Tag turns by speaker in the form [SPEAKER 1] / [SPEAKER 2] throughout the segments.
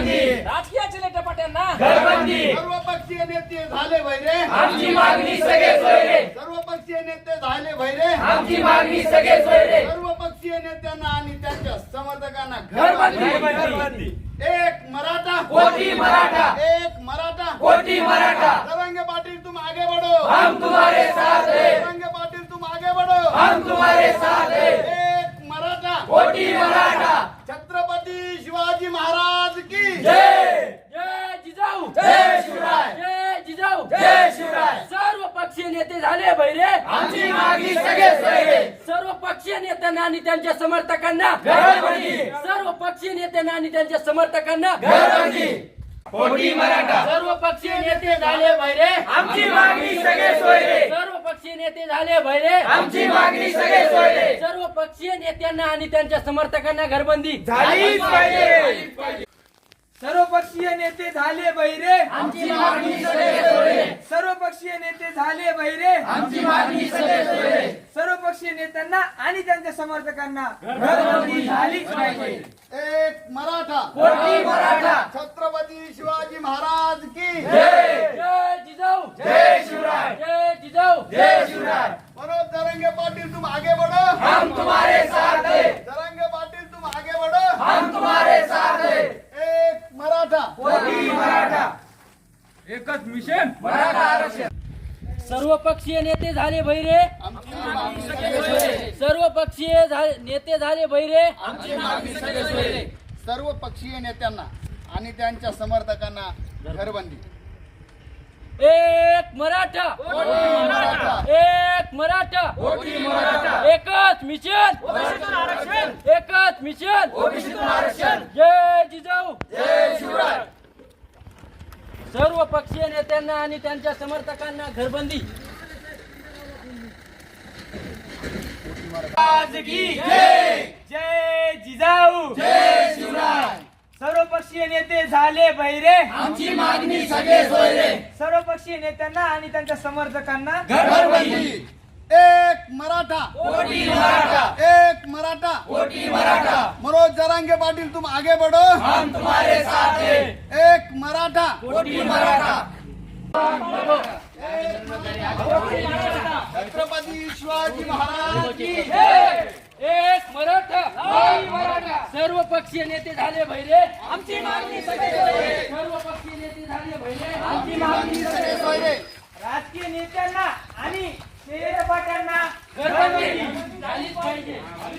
[SPEAKER 1] राजकीय चिलेटपाट्यांना
[SPEAKER 2] सर्वपक्षीय नेते झाले भैरे
[SPEAKER 3] आमची मागणी सगळे सोयरे
[SPEAKER 2] सर्वपक्षीय नेते झाले भैरे
[SPEAKER 3] आमची मागणी सगळे सोयरे
[SPEAKER 2] सर्वपक्षीय नेत्यांना आणि त्यांच्या समर्थकांना
[SPEAKER 3] घरबंदी
[SPEAKER 2] एक मराठा
[SPEAKER 3] कोटी मराठा
[SPEAKER 2] एक मराठा
[SPEAKER 3] कोटी मराठा
[SPEAKER 2] तरंगे पाटिल तुम आगे बढ़ो
[SPEAKER 3] हम तुम्हारे साथ हैं
[SPEAKER 2] तरंगे पाटिल तुम आगे बढ़ो
[SPEAKER 3] हम तुम्हारे साथ हैं
[SPEAKER 2] एक मराठा
[SPEAKER 3] कोटी मराठा
[SPEAKER 2] छत्रपती शिवाजी महाराज की
[SPEAKER 3] जय
[SPEAKER 1] जय जिजाऊ
[SPEAKER 3] जय शिवराय
[SPEAKER 1] जय जिजाऊ
[SPEAKER 3] जय शिवराय
[SPEAKER 1] सर्व पक्षीय नेते झाले भैरे
[SPEAKER 3] आमची मागणी सगळे सोयरे
[SPEAKER 1] सर्व पक्षीय नेत्यांना आणि त्यांच्या समर्थकांना
[SPEAKER 3] घरबंदी
[SPEAKER 1] सर्व पक्षीय नेत्यांना आणि त्यांच्या समर्थकांना
[SPEAKER 3] घरबंदी कोटी मराठा
[SPEAKER 1] सर्व पक्षीय नेते झाले भैरे
[SPEAKER 3] आमची मागणी सगळे सोयरे
[SPEAKER 1] सर्व पक्षीय नेते झाले भैरे
[SPEAKER 3] आमची मागणी सगळे सोयरे
[SPEAKER 1] सर्व पक्षीय नेत्यांना आणि त्यांच्या समर्थकांना घरबंदी
[SPEAKER 3] झालीच पाहिजे
[SPEAKER 4] सर्वपक्षीय नेते झाले बहिरे
[SPEAKER 3] आमची मागणी सगळे सोयरे
[SPEAKER 4] सर्वपक्षीय नेते झाले बहिरे
[SPEAKER 3] आमची मागणी सगळे सोयरे
[SPEAKER 4] सर्वपक्षीय नेत्यांना आणि त्यांच्या समर्थकांना
[SPEAKER 3] घरबंदी झालीच पाहिजे
[SPEAKER 2] एक मराठा
[SPEAKER 3] कोटी मराठा
[SPEAKER 2] छत्रपती शिवाजी महाराज की
[SPEAKER 3] जय
[SPEAKER 1] जय जिजाऊ
[SPEAKER 3] जय शिवराय
[SPEAKER 1] जय जिजाऊ
[SPEAKER 3] जय शिवराय
[SPEAKER 2] मनोज तरंगे पाटिल तुम आगे बढ़ो
[SPEAKER 3] हम तुम्हारे साथ हैं
[SPEAKER 2] तरंगे पाटिल तुम आगे बढ़ो
[SPEAKER 3] हम तुम्हारे साथ हैं
[SPEAKER 2] एक मराठा
[SPEAKER 3] कोटी मराठा
[SPEAKER 4] एकच मिशन
[SPEAKER 3] मराठा आरक्षण
[SPEAKER 1] सर्व पक्षीय नेते झाले भैरे
[SPEAKER 2] आमची मागणी सगळे सोयरे.
[SPEAKER 1] सर्व पक्षीय नेते झाले भैरे
[SPEAKER 3] आमची मागणी सगळे सोयरे
[SPEAKER 2] सर्व पक्षीय नेत्यांना आणि त्यांच्या समर्थकांना घरबंदी
[SPEAKER 1] एक मराठा
[SPEAKER 2] मराठा
[SPEAKER 1] एक मराठा
[SPEAKER 3] कोटी मराठा
[SPEAKER 1] एकच मिशन एकच मिशन
[SPEAKER 3] ओबीसीतून आरक्षण
[SPEAKER 1] जय जिजाऊ
[SPEAKER 3] जय शिवराय
[SPEAKER 1] सर्व पक्षीय नेत्यांना आणि त्यांच्या समर्थकांना घरबंदी
[SPEAKER 3] जय
[SPEAKER 4] जय जिजाऊ
[SPEAKER 3] जय शिवराय
[SPEAKER 4] सर्वपक्षीय नेते झाले बहिरे
[SPEAKER 3] आमची मागणी सगळे सोयरे
[SPEAKER 4] सर्वपक्षीय नेत्यांना आणि त्यांच्या समर्थकांना
[SPEAKER 3] घरबंदी
[SPEAKER 2] एक मराठा
[SPEAKER 3] कोटी मराठा
[SPEAKER 2] एक मराठा
[SPEAKER 3] कोटी मराठा
[SPEAKER 2] मनोज जरांगे पाटिल तुम आगे बढ़ो
[SPEAKER 3] हम तुम्हारे साथ हैं
[SPEAKER 2] एक मराठा
[SPEAKER 3] कोटी मराठा
[SPEAKER 2] छत्रपती शिवाजी महाराज की
[SPEAKER 1] एक मराठा सर्व पक्षीय नेते झाले भैरे
[SPEAKER 3] आमची मागणी सगळे सोयरे
[SPEAKER 1] सर्व पक्षीय नेते झाले भैरे
[SPEAKER 3] आमची मागणी सगळे सोयरे
[SPEAKER 4] राजकीय नेत्यांना आणि पाट्यांना
[SPEAKER 1] घरबंदी झालीच पाहिजे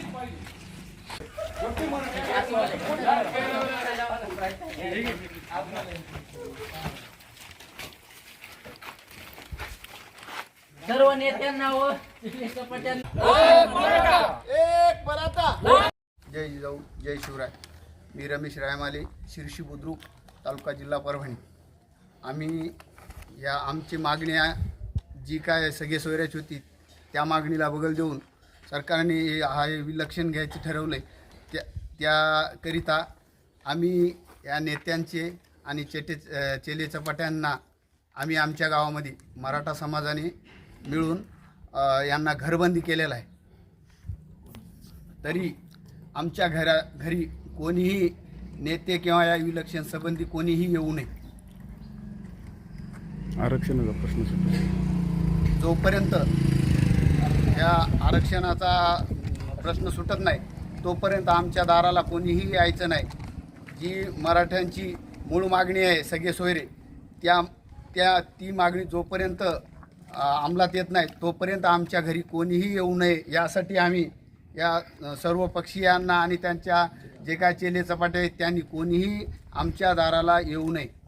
[SPEAKER 1] सर्व नेत्यांना व चिलेटपाट्यांना
[SPEAKER 2] एक मराठा जय जिजाऊ जय शिवराय. मी रमेश रायमाले, शिर्शी बुद्रुक तालुका जिल्हा परभणी. आम्ही या आमची मागणी जी काय सगळे सोयऱ्याची होती त्या मागणीला बगल देऊन सरकारने हा विलक्षण घ्यायचे ठरवले. त्याकरिता आम्ही या नेत्यांचे आणि चेले चपाट्यांना आम्ही आमच्या गावामध्ये मराठा समाजाने मिळून यांना घरबंदी केलेलं आहे. तरी आमच्या घरी कोणीही नेते किंवा या विलक्षण संबंधी कोणीही येऊ नये.
[SPEAKER 5] आरक्षणाचा प्रश्न सुटतो
[SPEAKER 2] जोपर्यंत या आरक्षणाचा प्रश्न सुटत नाही तोपर्यंत आमच्या दाराला कोणीही यायचं नाही. जी मराठ्यांची मूळ मागणी आहे सगळे सोयरे ती मागणी जोपर्यंत अंमलात येत नाही तोपर्यंत आमच्या घरी कोणीही येऊ नये यासाठी आम्ही या सर्व पक्षीयांना आणि त्यांच्या जे काय चेले चपाटे आहेत त्यांनी कोणीही आमच्या दाराला येऊ नये.